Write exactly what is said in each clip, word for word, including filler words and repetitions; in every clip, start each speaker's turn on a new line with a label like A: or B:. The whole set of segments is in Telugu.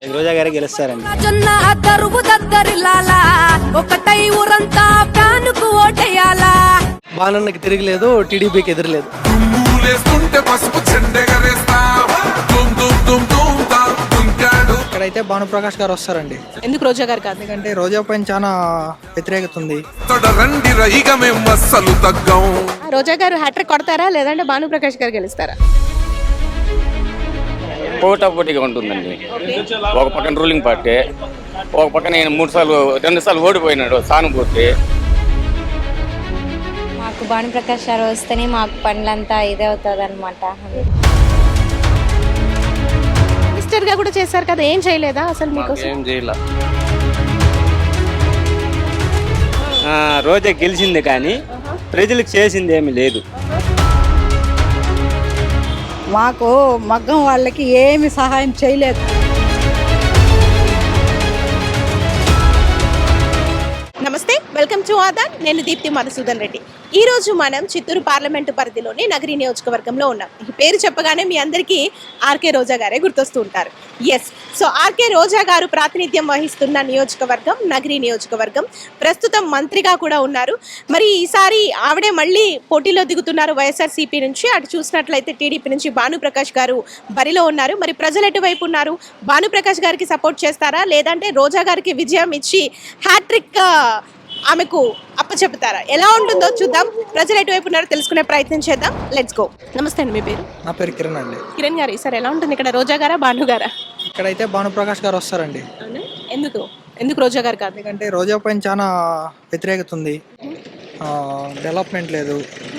A: రోజా గారే గెలుస్తారండి.
B: బాణన్నకి తిరగలేదు, టీడీపీకి ఎదురులేదు. ఇక్కడైతే భానుప్రకాష్ గారు వస్తారండి.
C: ఎందుకు రోజా గారు కాదు?
B: ఎందుకంటే రోజా పైన చాలా వ్యతిరేకత ఉంది.
C: రోజా గారు హ్యాట్రిక్ కొడతారా లేదంటే భానుప్రకాష్ గారు గెలుస్తారా?
D: పోటాపోటీగా ఉంటుందండి. ఒక పక్కన రూలింగ్ పార్టీ, ఒక పక్కన నేను మూడు సార్లు రెండు సార్లు ఓడిపోయినాడు సానుభూతి.
E: మాకు భానుప్రకాష్ గారు వస్తేనే మాకు పనులంతా ఇదే అవుతుంది అనమాట.
C: మినిస్టర్ గా కూడా చేశారు కదా, ఏం చేయలేదా అసలు మీకు?
D: ఏం చేయాల.
A: రోజా గెలిచింది కానీ ప్రజలకు చేసింది ఏమీ లేదు.
F: మాకు మగ్గం వాళ్ళకి ఏమి సహాయం చేయలేదు.
C: నమస్తే, వెల్కమ్ టు ఆదాన్. నేను దీప్తి మధుసూదన్ రెడ్డి. ఈ రోజు మనం చిత్తూరు పార్లమెంటు పరిధిలోని నగరి నియోజకవర్గంలో ఉన్నాం. ఈ పేరు చెప్పగానే మీ అందరికీ ఆర్కే రోజా గారే గుర్తొస్తూ ఉంటారు. ఎస్, సో ఆర్కే రోజా గారు ప్రాతినిధ్యం వహిస్తున్న నియోజకవర్గం నగరి నియోజకవర్గం. ప్రస్తుతం మంత్రిగా కూడా ఉన్నారు. మరి ఈసారి ఆవిడే మళ్ళీ పోటీలో దిగుతున్నారు వైఎస్ఆర్సీపీ నుంచి. అటు చూసినట్లయితే టీడీపీ నుంచి భానుప్రకాష్ గారు బరిలో ఉన్నారు. మరి ప్రజలు ఎటువైపు ఉన్నారు? భానుప్రకాష్ గారికి సపోర్ట్ చేస్తారా లేదంటే రోజా గారికి విజయం ఇచ్చి హ్యాట్రిక్ ఆమెకు అప్పచెప్తారా? ఎలా ఉంటుందో చూద్దాం. ప్రజలు ఎటువైపు ఉన్నారో తెలుసుకునే ప్రయత్నం చేద్దాం. Let's go. నమస్తే అండి, మీ పేరు?
B: నా పేరు కిరణ్ అండి.
C: కిరణ్ గారు, సార్ ఎలా ఉంటుంది ఇక్కడ? రోజా గారా భాను గారా?
B: ఇక్కడైతే భానుప్రకాష్ గారు వస్తారండి.
C: ఎందుకు ఎందుకు రోజా గారు కాదు?
B: ఎందుకంటే రోజా పైన చాలా వ్యతిరేకత ఉంది. డెవలప్మెంట్ లేదు.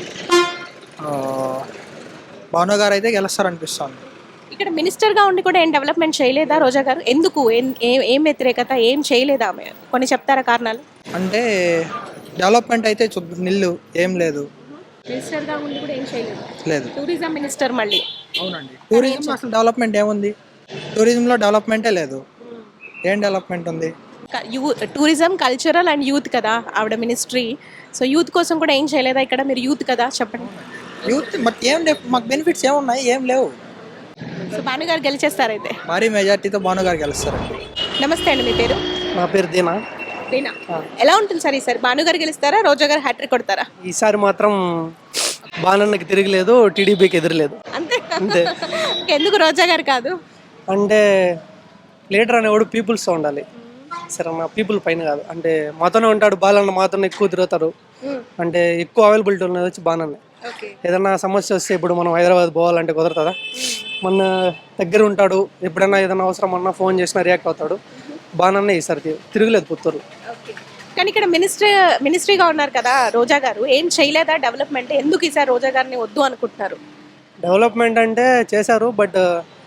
B: భాను గారు అయితే గెలుస్తారనిపిస్తుంది.
C: ఇక్కడ మినిస్టర్ గా ఉండి కూడా ఏం డెవలప్మెంట్ చేయలేదా రోజా గారు? ఎందుకు? ఏం వ్యతిరేకత? ఏం చేయలేదా ఆమె? కొన్ని చెప్తారా కారణాలు?
B: అంటే డెవలప్మెంట్ అయితే నిల్లు ఏం లేదు.
C: మినిస్టర్ గా ఉండి కూడా ఏం చేయలేదు.
B: లేదు.
C: టూరిజం మినిస్టర్ మళ్ళీ.
B: అవునండి. టూరిజం అసలు డెవలప్మెంట్ ఏముంది? టూరిజంలో డెవలప్మెంటే లేదు. ఏం డెవలప్మెంట్ ఉంది?
C: టూరిజం, కల్చరల్ అండ్ యూత్ కదా ఆవిడ మినిస్ట్రీ. సో యూత్ కోసం కూడా ఏం చేయలేదా ఇక్కడ? మీరు యూత్ కదా, చెప్పండి.
B: యూత్ మాకు ఏం లేవు. మాకు బెనిఫిట్స్ ఏమున్నాయి? ఏం లేవు.
C: సో భాను గారు గెలిచేస్తారైతే?
B: భారీ మెజార్టీతో భాను గారు గెలుస్తారండి.
C: నమస్తే అండి, మీ పేరు?
B: నా పేరు దీనా.
C: దీనా, ఎలా ఉంటుంది సార్ ఈసారి? భాను గారు గెలుస్తారా రోజా గారు హ్యాట్రిక్ కొడతారా?
B: ఈసారి మాత్రం బాణన్నకి తిరగలేదు, టీడీపీకి ఎదురులేదు.
C: అంతే
B: అంతే.
C: ఎందుకు రోజా గారు కాదు?
B: అంటే లీడర్ అనేవాడు పీపుల్స్తో ఉండాలి. సరే, మా పీపుల్ పైన కాదు. అంటే మాతోనే ఉంటాడు బాలన్న, మాతోనే ఎక్కువ తిరుగుతారు. అంటే ఎక్కువ అవైలబిలిటీ ఉన్నది వచ్చి బాణన్నే. ఏదన్నా సమస్య వస్తే ఇప్పుడు మనం హైదరాబాద్ పోవాలంటే కుదరతుందా? మన దగ్గర ఉంటాడు. ఎప్పుడైనా ఏదైనా అవసరం అన్నా ఫోన్ చేసినా రియాక్ట్ అవుతాడు. బాణన్నే ఈసారి తిరగలేదు పుత్తూరు.
C: కానీ ఇక్కడ మినిస్ట్రీ మినిస్ట్రీగా ఉన్నారు కదా రోజా గారు, ఏం చేయలేదా డెవలప్మెంట్? ఎందుకు ఈసారి రోజా గారిని వద్దు అనుకుంటున్నారు?
B: డెవలప్మెంట్ అంటే చేశారు, బట్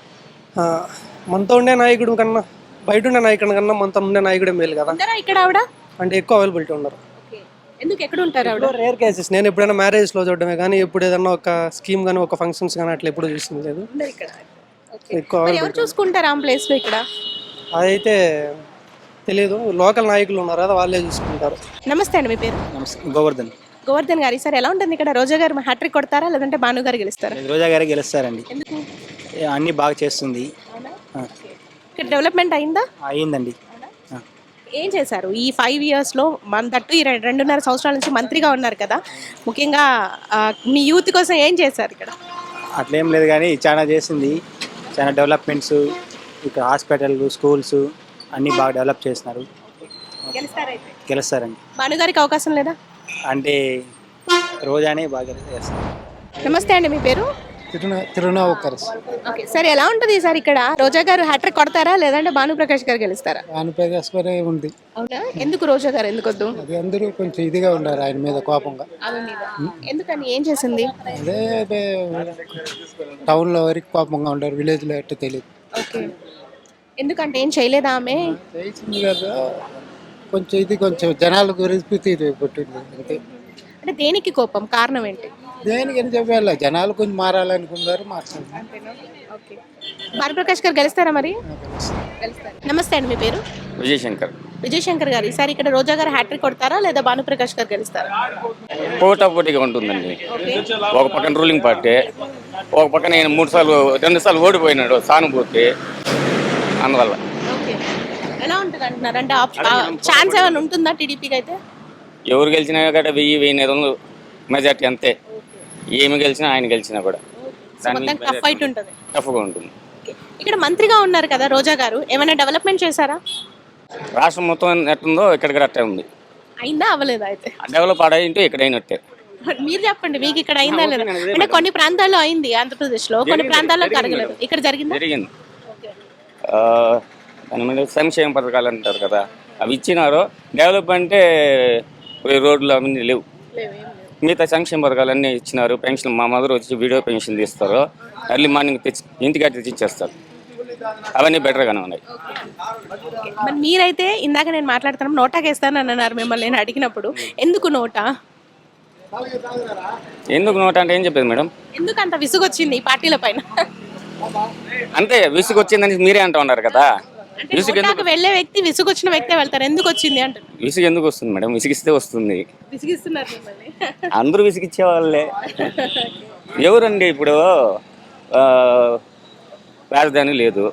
B: మనతో ఉండే నాయకుడు కన్నా బయట ఉండే నాయకుడి కన్నా మనతో ఉండే నాయకుడే మేలు కదా.
C: ఇక్కడ ఆవిడ
B: అంటే ఎక్కువ అవైలబిలిటీ ఉన్నారు.
C: ఎందుకు ఎక్కడ ఉంటారు ఆవిడ?
B: Rare cases. నేను ఎప్పుడైనా మ్యారేజ్లో చూడడమే కానీ ఎప్పుడు ఏదన్నా ఒక స్కీమ్ కానీ ఒక ఫంక్షన్స్ కానీ అట్లా ఎప్పుడు చూసింది లేదు. ఎక్కువ
C: ఎవరు చూసుకుంటారు ఆ ప్లేస్ లో? ఇక్కడ
B: అదైతే తెలియదు. లోకల్ నాయకులు ఉన్నారు కదా, వాళ్ళే చూసుకుంటారు.
C: నమస్తే అండి, మీ పేరు?
A: గోవర్ధన్.
C: గోవర్ధన్ గారు, సార్ ఎలా ఉంటుంది ఇక్కడ? రోజా గారు హ్యాట్రిక్ కొడతారా లేదంటే భాను గారు గెలుస్తారా?
A: రోజా గారే గెలుస్తారండి.
C: ఎందుకు?
A: అన్ని బాగా చేస్తుంది.
C: ఇక్కడ డెవలప్మెంట్ అయిందా?
A: అయిందండి.
C: ఏం చేశారు ఈ ఫైవ్ ఇయర్స్ లో? మన తట్టు ఈ రెండున్నర సంవత్సరాల నుంచి మంత్రిగా ఉన్నారు కదా, ముఖ్యంగా మీ యూత్ కోసం ఏం చేశారు ఇక్కడ?
A: అట్లేం లేదు కానీ చాలా చేసింది. చాలా డెవలప్మెంట్స్, ఇక్కడ హాస్పిటల్, స్కూల్స్ అన్నీ బాగా డెవలప్ చేస్తున్నారు. గెలుస్తారండి.
C: భాను గారికి అవకాశం లేదా?
A: అంటే రోజానే బాగా చేస్తారు.
C: నమస్తే అండి, మీ పేరు?
B: తిరునావుకర్.
C: ఓకే సార్, ఎలా ఉంటుంది సార్ ఇక్కడ? రోజా గారు హ్యాట్రిక్ కొడతారా లేదంటే భానుప్రకాష్ గారు గెలుస్తారా?
B: భానుప్రకాష్ గారే ఉంది.
C: అవునా? ఎందుకు రోజా గారు ఎందుకు వద్దు?
B: అది అందరూ కొంచెం ఇదిగా ఉన్నారు ఆయన మీద, కోపంగా.
C: ఎందుకని? ఏం చేసింది?
B: అదే అదే టౌన్ లో వరకు కోపంగా ఉంటారు, విలేజ్ లో ఎట్లా తెలియదు.
C: ఓకే, ఎందుకంటే ఏం చేయలేదా ఆమె?
B: చేసింది కదా, కొంచెం ఇది కొంచెం జనాల గురించి పుట్టింది అంతే.
C: అంటే దేనికి కోపం? కారణం ఏంటి?
B: దేనికని చెప్పాలి, జనాలు కొంచెం మారాలనుకున్నారు, మార్చాలి.
C: భానుప్రకాష్ గారు గెలుస్తారా మరి? నమస్తే అండి, మీ పేరు?
D: విజయశంకర్.
C: విజయశంకర్ గారు, ఈసారి ఇక్కడ రోజా గారు హ్యాట్రిక్ కొడతారా లేదా భానుప్రకాష్ గారు గెలుస్తారా?
D: పోటాపోటీగా ఉంటుందండి. ఒక పక్కన రూలింగ్ పార్టీ, ఒక పక్కన నేను మూడు సార్లు రెండు సార్లు ఓడిపోయినాడు సానుభూతి. అందువల్ల
C: ఎలా ఉంటుంది అంటున్నారు అంటే ఛాన్స్ ఏమైనా ఉంటుందా టీడీపీకి అయితే?
D: ఎవరు గెలిచినా కూడా వెయ్యి వెయ్యి ఐదు వందలు మెజార్టీ అంతే. ఏమి గెలిచినా ఆయన గెలిచినా కూడా
C: టఫ్ ఫైట్ ఉంటుంది.
D: టఫ్గా ఉంటుంది.
C: ఇక్కడ మంత్రిగా ఉన్నారు కదా రోజా గారు, ఏమైనా డెవలప్మెంట్ చేశారా?
D: రాష్ట్రం మొత్తం ఎట్టుందో ఇక్కడ అట్టే ఉంది.
C: అయిందా అవ్వలేదా అయితే?
D: డెవలప్ ఆడైంటే ఇక్కడ అయినట్టే.
C: మీరు చెప్పండి, మీకు ఇక్కడ అయిందా లేదా? అంటే కొన్ని ప్రాంతాల్లో అయింది ఆంధ్రప్రదేశ్ లో, కొన్ని ప్రాంతాల్లో జరగలేదు. ఇక్కడ జరిగింది
D: జరిగింది దాని మీద సంక్షేమ పథకాలు అంటారు కదా, అవి ఇచ్చినారు. డెవలప్ అంటే రోడ్లు అవన్నీ లేవు. మిగతా సంక్షేమ పథకాలు అన్నీ ఇచ్చినారు. పెన్షన్ మా మదర్ వచ్చి వీడియో పెన్షన్ తీస్తారు, ఎర్లీ మార్నింగ్ తెచ్చి ఇంటికి తెచ్చి ఇచ్చేస్తారు. అవన్నీ బెటర్గానే ఉన్నాయి.
C: మరి మీరైతే ఇందాక నేను మాట్లాడుతున్నాం నోటాకి వేస్తాను అని అన్నారు మిమ్మల్ని నేను అడిగినప్పుడు. ఎందుకు నోటా?
D: ఎందుకు నోట అంటే ఏం చెప్పేది మేడం?
C: ఎందుకు అంత విసుగు వచ్చింది ఈ పార్టీల పైన?
D: అంతే విసుగు వచ్చిందని మీరే అంటూ ఉన్నారు కదా. విసుగు ఎందుకు
C: వెళ్ళే వ్యక్తి విసుగు వచ్చిన వ్యక్తే వెళ్తారు, ఎందుకు వచ్చింది అంటారు.
D: విసుగు ఎందుకు వస్తుంది మేడం? విసిగిస్తే వస్తుంది.
C: విసిగిస్తున్నారు మిమ్మల్ని.
D: అందరూ విసిగిచ్చే వాళ్ళే. ఎవరండి ఇప్పుడు రాజధాని లేదు,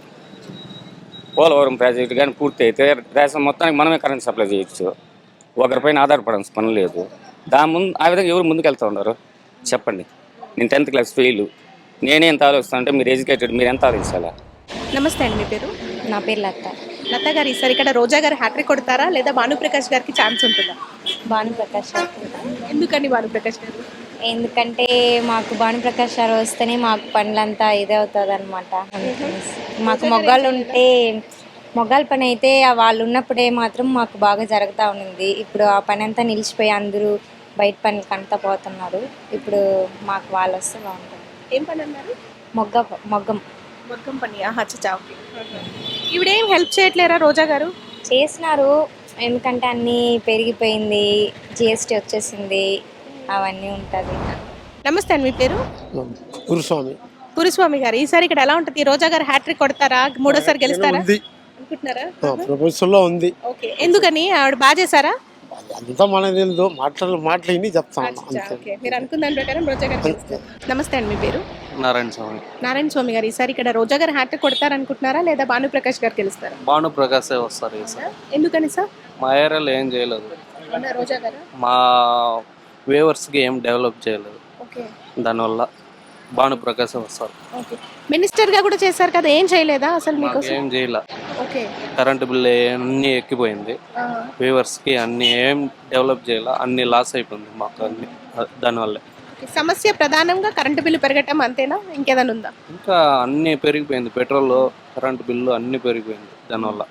D: పోలవరం ప్రాజెక్టు కానీ పూర్తి అయితే దేశం మొత్తానికి మనమే కరెంట్ సప్లై చేయొచ్చు. ఒకరిపైన ఆధారపడాల్సిన పని లేదు. దాని ముందు ఆ విధంగా ఎవరు ముందుకు వెళ్తూ ఉన్నారు చెప్పండి? నేను టెన్త్ క్లాస్ ఫెయిల్, నేనే ఎంత ఆలోచిస్తాను అంటే మీరు ఎడ్యుకేటెడ్, మీరు ఎంత ఆలోచించాలా?
C: నమస్తే అండి, మీ పేరు?
E: నా పేరు లత.
C: లత గారు, ఈసారి ఇక్కడ రోజా గారు హ్యాట్రిక్ కొడతారా లేదా భానుప్రకాష్ గారికి ఛాన్స్ ఉంటుందా?
E: భానుప్రకాష్ గారు.
C: ఎందుకని భానుప్రకాష్ గారు?
E: ఎందుకంటే మాకు భానుప్రకాష్ గారు వస్తేనే మాకు పనులంతా ఇదే అవుతుంది అనమాట. మాకు మొగ్గాలు ఉంటే మొగ్గాల పని అయితే వాళ్ళు ఉన్నప్పుడే మాత్రం మాకు బాగా జరుగుతూ ఉంది. ఇప్పుడు ఆ పని అంతా నిలిచిపోయి అందరూ బయట పనికి అంతా పోతున్నారు. ఇప్పుడు మాకు వాళ్ళు వస్తే బాగుంటుంది.
C: ఏం పని అన్నారు?
E: మొగ్గ మొగ్గం
C: మొగ్గం పని. అచ్చా, ఓకే. ఇవిడేం హెల్ప్ చేయట్లేరా రోజా గారు?
E: చేసినారు, ఎందుకంటే అన్నీ పెరిగిపోయింది, జిఎస్టీ వచ్చేసింది, అవన్నీ ఉంటుంది.
C: నమస్తే అండి, మీ పేరు?
G: గురుస్వామి.
C: గురుస్వామి గారు, ఈసారి ఇక్కడ ఎలా ఉంటుంది? రోజా గారు హ్యాట్రిక్ కొడతారా, మూడోసారి గెలుస్తారా అనుకుంటున్నారా?
G: ప్రపంచంలో ఉంది.
C: ఓకే, ఎందుకని? ఆవిడ బాగా చేశారా?
G: అంతా మనకు తెలియదు, మాటలు మాటలు చెప్తాను.
C: మీరు అనుకున్న దాని ప్రకారం రోజా గారు గెలుస్తారు. నమస్తే అండి, మీ పేరు?
H: నారాయణ స్వామి.
C: నారాయణ స్వామి గారు, ఈసారి ఇక్కడ రోజా గారు హ్యాట్రిక్ కొడతారు అనుకుంటున్నారా లేదా భానుప్రకాష్ గారు గెలుస్తారా?
H: భానుప్రకాశే వస్తారు ఈసారి.
C: ఎందుకని సార్?
H: మా ఏరియాలో ఏం చేయలేదు,
C: రోజా గారు
H: మా వేవర్స్కి ఏం డెవలప్ చేయలేదు, దానివల్ల భానుప్రకాశే వస్తారు.
C: మినిస్టర్ గా కూడా చేశారు కదా, ఏం చేయలేదా అసలు మీకు?
H: ఏం చేయలే.
C: ఓకే,
H: కరెంటు బిల్లు అన్ని ఎక్కిపోయింది, వేవర్స్కి అన్ని ఏం డెవలప్ చేయాల, అన్ని లాస్ అయిపోయింది మాకు అన్ని దానివల్ల.
C: సమస్య ప్రధానంగా కరెంటు బిల్లు పెరగటం అంతేనా, ఇంకేదైనా ఉందా?
H: ఇంకా అన్ని పెరిగిపోయింది, పెట్రోల్ కరెంటు బిల్లు అన్ని పెరిగిపోయింది దానివల్ల.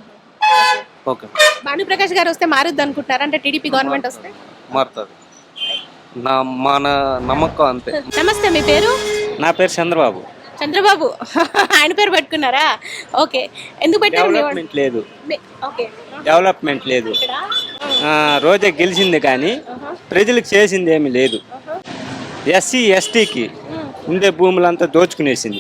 H: ఓకే,
C: భానుప్రకాష్ గారు వస్తే మారుద్ది అనుకుంటున్నారా? అంటే టీడీపీ గవర్నమెంట్ వస్తే
H: మారుతుంది నా మన నమ్మకం అంతే.
C: నమస్తే, మీ పేరు?
A: నా పేరు చంద్రబాబు.
C: చంద్రబాబు, ఆయన పేరు పెట్టుకున్నారా? ఓకే, ఎందుకు పెట్టారు?
A: డెవలప్మెంట్ లేదు.
C: ఓకే,
A: డెవలప్మెంట్ లేదు. రోజా గెలిచింది కానీ ప్రజలకు చేసింది ఏమీ లేదు. ఎస్సీ ఎస్టీకి ఉండే భూములంతా దోచుకునేసింది.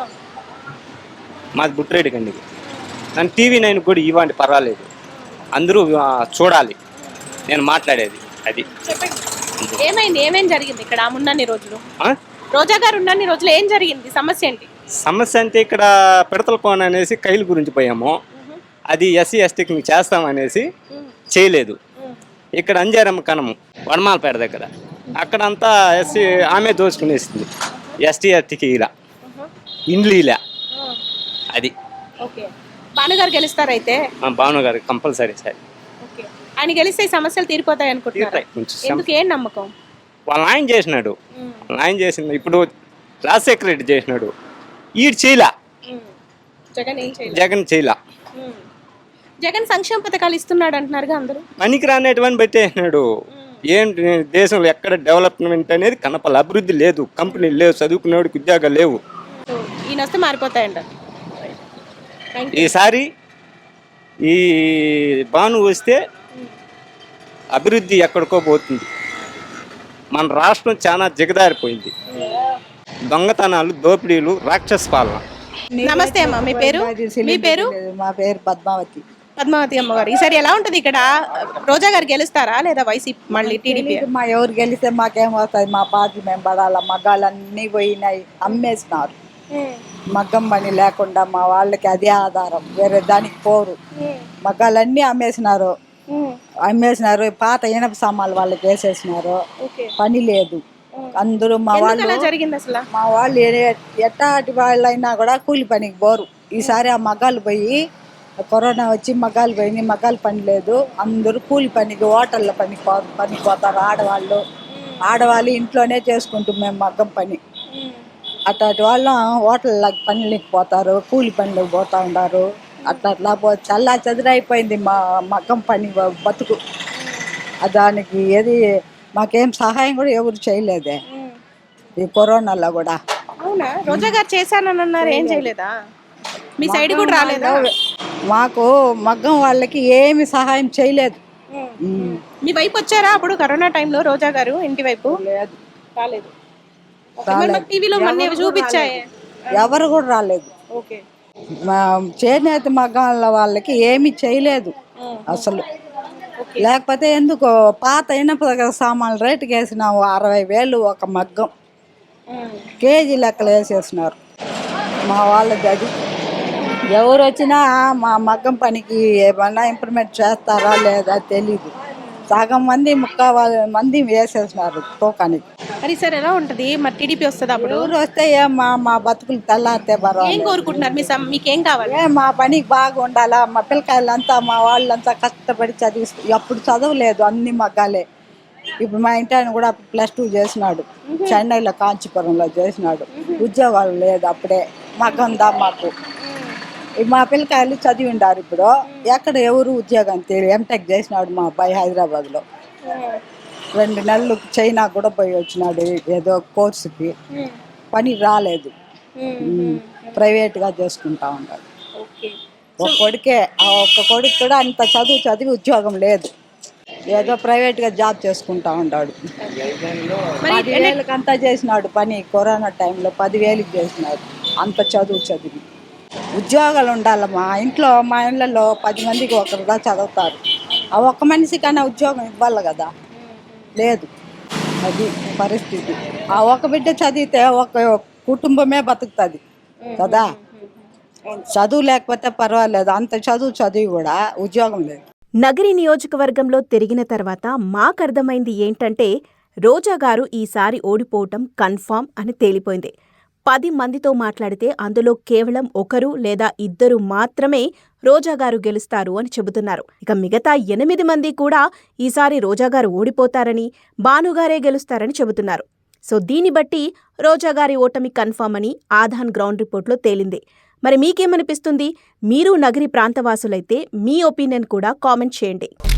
A: మాది బుట్రేడి కండికి. నన్ను టీవీ నైన్ కూడా ఇవ్వండి, పర్వాలేదు, అందరూ చూడాలి నేను మాట్లాడేది. అది
C: ఏమైంది, ఏమేం జరిగింది ఇక్కడ ఉన్నన్ని రోజులు? రోజా గారు ఉన్నన్ని రోజులు ఏం జరిగింది? సమస్య ఏంటి?
A: సమస్య అంటే ఇక్కడ పిడతల కోన అనేసి కైలు గురించి పోయాము, అది ఎస్సీ ఎస్టీకి మేము చేస్తామనేసి చేయలేదు. ఇక్కడ అంజారమ్మ కనము వనమాలపేట దగ్గర అక్కడంతా ఎస్సీ ఆమె దోచుకునేసింది. ఎస్టీ ఎస్టీకి ఇలా ఇండ్లు ఇలా అది.
C: ఓకే, భానుగారు గెలుస్తారైతే?
A: భానుగారు కంపల్సరీ సార్.
C: ఆయన గెలిస్తే సమస్యలు తీరిపోతాయి అనుకుంటున్నారు. ఎందుకు, ఏం నమ్మకం?
A: వాళ్ళ ఆయన చేసినాడు, ఆయన చేసింది. ఇప్పుడు రాజశేఖర రెడ్డి చేసినాడు, ఈడు చేయలా.
C: జగన్ ఏం చేయలేదు.
A: జగన్ చేయలా.
C: జగన్ సంక్షేమ పథకాలు ఇస్తున్నాడు అంటున్నారుగా అందరూ.
A: పనికి రానేటివని పెట్టేసినాడు. ఏంటి దేశంలో ఎక్కడ డెవలప్మెంట్ అనేది కనపల, అభివృద్ధి లేదు, కంపెనీలు లేవు, చదువుకునేవాడికి ఉద్యోగాలు లేవు.
C: ఈయన వస్తే మారిపోతాయంట
A: ఈసారి. ఈ భాను వస్తే అభివృద్ధి ఎక్కడికో పోతుంది. మన రాష్ట్రం చాలా దిగదారిపోయింది. దొంగతనాలు, దోపిడీలు, రాక్షస పాలన.
C: నమస్తే అమ్మ, మీ పేరు? మీ పేరు?
F: మా పేరు పద్మావతి.
C: పద్మావతి అమ్మగారు, ఈసారి ఎలా ఉంటది ఇక్కడ? రోజా గారు గెలుస్తారా లేదా వైసీపీ మళ్ళీ టీడీపీ?
F: మా ఎవరు గెలిస్తే మాకేం వస్తుంది? మా పార్టీ మేము పడాల, మగాళ్ళన్నీ పోయినాయి, అమ్మేసినారు. మగ్గం పని లేకుండా మా వాళ్ళకి అదే ఆధారం, వేరే దానికి పోరు. మగ్గాలన్నీ అమ్మేసినారు అమ్మేసినారు పాత ఇనప సామాన్లు వాళ్ళకి వేసేసినారు. పని లేదు. అందరూ మా వాళ్ళు
C: జరిగింది అసలు
F: మా వాళ్ళు ఏ- ఎట్టాటి వాళ్ళైనా కూడా కూలి పనికి పోరు. ఈసారి ఆ మగ్గాలు పోయి కరోనా వచ్చి మగ్గాలు పోయి మగ్గాలు పని లేదు. అందరూ కూలి పనికి హోటళ్ళ పని పనికి పోతారు. ఆడవాళ్ళు ఆడవాళ్ళు ఇంట్లోనే చేసుకుంటాం మేము మగ్గం పని. అట్లాంటి వాళ్ళు హోటళ్ళకి పనులకి పోతారు, కూలి పనులకు పోతా ఉన్నారు. అట్లా అట్లా పో చల్లా చెదిరైపోయింది మా మగ్గం పని బతుకు. దానికి ఏది మాకేం సహాయం కూడా ఎవరు చేయలేదే ఈ కరోనాలో కూడా.
C: అవునా? రోజా గారు చేశానని అన్నారు, ఏం చేయలేదా? మీ సైడ్ కూడా రాలేదా?
F: మాకు మగ్గం వాళ్ళకి ఏమి సహాయం చేయలేదు.
C: మీ వైపు వచ్చారా అప్పుడు కరోనా టైంలో రోజా గారు ఇంటి వైపు?
F: లేదు,
C: రాలేదు. టీవీలో మొన్న చూపించాయి.
F: ఎవరు కూడా రాలేదు.
C: ఓకే.
F: మా చేనేత మగ్గాల వాళ్ళకి ఏమి చేయలేదు అసలు. లేకపోతే ఎందుకో పాత ఇనప సామాన్లు రేటుకి వేసినాము అరవై వేలు ఒక మగ్గం, కేజీ లెక్కలు వేసేసినారు మా వాళ్ళది. అది ఎవరు వచ్చినా మా మగ్గం పనికి ఏమన్నా ఇంప్రూవ్మెంట్ చేస్తారా లేదా తెలీదు. సగం మంది ముక్కాలు మంది వేసేసినారు తూకానికి.
C: మరి సార్ ఎలా ఉంటది? మరి టీడీపీ వస్తుంది అప్పుడు?
F: ఎవరు వస్తే ఏం మా మా బతుకులు తెల్లారితే
C: ఏం
F: పర్వాలేదు.
C: కోరుకుంటున్నారు? మీ సమ్- మీకేం కావాలి?
F: ఏ మా పనికి బాగా ఉండాలా. మా పిల్లకాయలంతా మా వాళ్ళంతా కష్టపడి చదివి అప్పుడు చదవలేదు, అన్ని మగ్గాలే. ఇప్పుడు మా ఇంటి ఆయన కూడా ప్లస్ టూ చేసినాడు, చెన్నైలో కాంచీపురంలో చేసినాడు. ఉద్యోగాలు లేదు అప్పుడే. మగ్గందా మాకు. మా పిల్లకాయలు చదివి ఉండారు. ఇప్పుడు ఎక్కడ ఎవరు ఉద్యోగం తెలియదు. ఎంటెక్ చేసినాడు మా అబ్బాయి హైదరాబాద్లో. రెండు నెలలు చైనా కూడా పోయి వచ్చినాడు ఏదో కోర్సుకి. పని రాలేదు, ప్రైవేట్గా చేసుకుంటా ఉన్నాడు. ఒక కొడుకే, ఆ ఒక్క కొడుకు కూడా అంత చదువు చదివి ఉద్యోగం లేదు, ఏదో ప్రైవేట్గా జాబ్ చేసుకుంటా ఉన్నాడు. పదివేలకు అంతా చేసినాడు పని. కరోనా టైంలో పదివేలకు చేసినాడు అంత చదువు చదివి. ఉద్యోగాలు ఉండాలి. మా ఇంట్లో మా ఇళ్ళలో పది మందికి ఒకరుగా చదువుతారు. ఆ ఒక్క మనిషికైనా ఉద్యోగం ఇవ్వాలి కదా, లేదు. అది పరిస్థితి. ఆ ఒక బిడ్డ చదివితే ఒక కుటుంబమే బతుకుతుంది కదా. చదువు లేకపోతే పర్వాలేదు, అంత చదువు చదివి కూడా ఉద్యోగం లేదు.
C: నగరి నియోజకవర్గంలో తిరిగిన తర్వాత మాకర్థమైంది ఏంటంటే రోజా గారు ఈసారి ఓడిపోవటం కన్ఫామ్ అని తేలిపోయింది. పది మందితో మాట్లాడితే అందులో కేవలం ఒకరు లేదా ఇద్దరు మాత్రమే రోజాగారు గెలుస్తారు అని చెబుతున్నారు. ఇక మిగతా ఎనిమిది మంది కూడా ఈసారి రోజాగారు ఓడిపోతారని, భానుగారే గెలుస్తారని చెబుతున్నారు. సో దీన్ని బట్టి రోజాగారి ఓటమి కన్ఫామ్ అని ఆధాన్ గ్రౌండ్ రిపోర్ట్లో తేలింది. మరి మీకేమనిపిస్తుంది? మీరు నగరి ప్రాంతవాసులైతే మీ ఒపీనియన్ కూడా కామెంట్ చేయండి.